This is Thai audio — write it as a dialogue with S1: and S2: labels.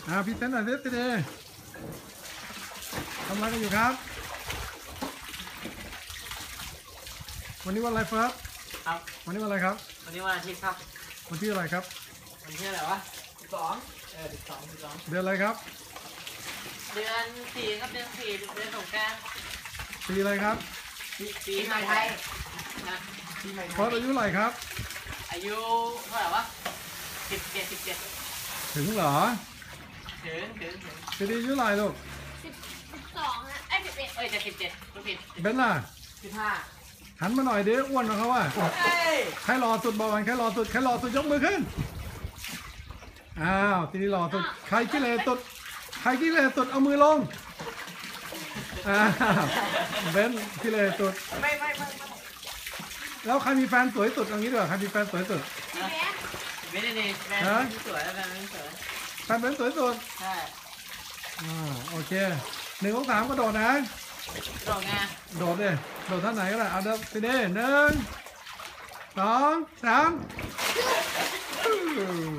S1: พี่เต้นหน่อยสิพี่เดทำอะไรกันอยู่ครับวันนี้วันอะไรเฟิร์ส
S2: ครับ
S1: วันนี้วันอะไรครับ
S2: วันนี้วันอาทิตย์ครับ
S1: วันที่อะไรครับ
S2: วันที่อะไรวะ12
S1: เดือนอะไรครับ
S2: เดือน4ครับเดือน4เดือนสงกรานต์
S1: ปีอะไรครับ
S2: ปีใหม่ไทยนะปีใหม่ไทย
S1: เฟิร์สอายุเท่าไหร่ครับ
S2: อายุเท่าไหร่วะ17
S1: ถึงเหรอ
S2: ถึง
S1: พี่เดอายุเท่าไหร่ลูก
S3: 12ฮะ11
S2: จะ17รู้ผิด
S1: เบนล่ะ
S2: 15
S1: หันมาหน่อยเด้อ้วนกว่าเขาว่าใครรอสุดบอกกันใครรอสุดยกมือขึ้นอ้าวทีนี้รอสุดใครขี้เหร่สุดเอามือลงอ้าวเบนขี้เหร่สุด
S2: ไม่
S1: แล้วใครมีแฟนสวยสุดเอางี้ดีกว่าใครมีแฟนสวยสุด
S2: ไม่ได้นี่แฟนไม่สวยแฟนไม่สวย
S1: แฟนเบนสวยสุด
S2: ใช่
S1: โอเค1 2 3กระโดดนะ
S2: โดดไง
S1: โดดเลยโดดท่าไหนก็ได้เอาเด้อพี่เด้1 2 3